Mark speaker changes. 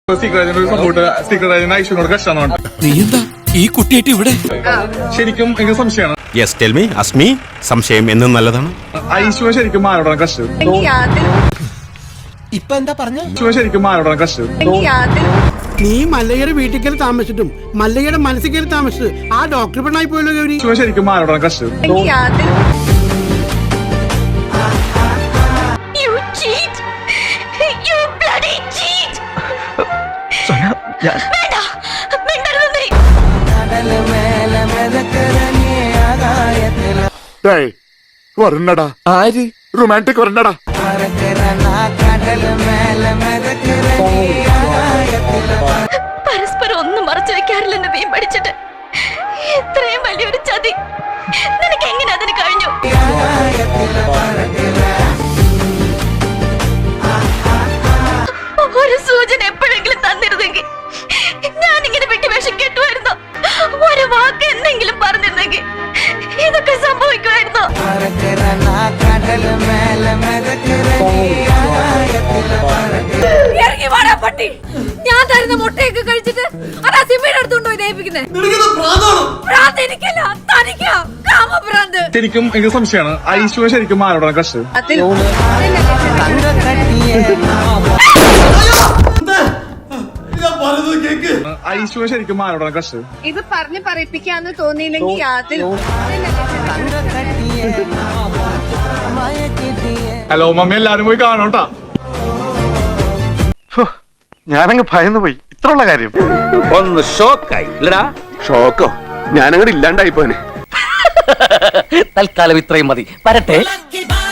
Speaker 1: ഐശ്വര്യോട് കഷ്ടാണ്.
Speaker 2: നീ എന്താ ഈ കുട്ടിയായിട്ട് ഇവിടെ?
Speaker 1: ശരിക്കും എനിക്ക് സംശയമാണ്.
Speaker 3: യെസ് ടെൽ മീ അസ്മി, സംശയം എന്നും നല്ലതാണ്.
Speaker 1: ഐശ്വര്യ ശരിക്കും ആരോടാണ് കഷ്ടം?
Speaker 2: ഇപ്പൊ എന്താ പറഞ്ഞ?
Speaker 1: ഐശ്വര്യ ശരിക്കും ആരോടാണ് കഷ്ടം?
Speaker 4: നീ മല്ലയ്യയുടെ വീട്ടിൽ കയറി താമസിച്ചിട്ടും മല്ലയ്യയുടെ മനസ്സിൽ കയറി താമസിച്ചത് ആ ഡോക്ടർ പെണ്ണായി പോയല്ലോ ഗൗരി.
Speaker 1: ഐശ്വര്യ ശരിക്കും ആരോടാണ് കഷ്ടം?
Speaker 5: വരണടാ,
Speaker 2: ആര്?
Speaker 5: റൊമാൻറ്റിക് വരണടാ.
Speaker 6: പരസ്പരം ഒന്നും മറച്ചു വെക്കാറില്ലെന്ന് നീ പഠിച്ചിട്ട് ഇത്രയും വലിയൊരു ചതി നിനക്ക് എങ്ങനെ അതിന് കഴിഞ്ഞു? ഒരു സൂചന എപ്പോഴെങ്കിലും തന്നിരുന്നെങ്കിൽ ഞാൻ ഇങ്ങനെ വിട്ടുവേഷം കെട്ടുമായിരുന്നു. ഒരു വാക്ക് എന്തെങ്കിലും പറഞ്ഞിരുന്നെങ്കിൽ ഇതൊക്കെ സംഭവിക്കുമായിരുന്നു. ഞാൻ തരുന്ന മുട്ടയൊക്കെ കഴിച്ചിട്ട് അതാ സിമ്മയുടെ അടുത്തുണ്ടോ ഇതേപ്പിക്കുന്നേ?
Speaker 1: ശരിക്കും എനിക്ക് സംശയമാണ്. ഐശ്വര്യ ശരിക്കും ആരോടാണ് കഷ്ടം? ഐശ്വര്യ ശരിക്കും ആരോടാണ് കഷ്ടം?
Speaker 7: ഇത് പറഞ്ഞ് പറയിപ്പിക്കാന്ന് തോന്നിയില്ലെങ്കിൽ
Speaker 1: ഹലോ മമ്മി, എല്ലാരും പോയി കാണോട്ടാ.
Speaker 5: ഞാനങ്ങ് ഭയന്നു പോയി. ഇത്രയുള്ള കാര്യം
Speaker 3: ഒന്ന് ഷോക്കായി ഇല്ലടാ?
Speaker 5: ഷോക്കോ? ഞാനങ്ങോട്ട് ഇല്ലാണ്ടായി പോനെ.
Speaker 2: തൽക്കാലം ഇത്രയും മതി. വരട്ടെ.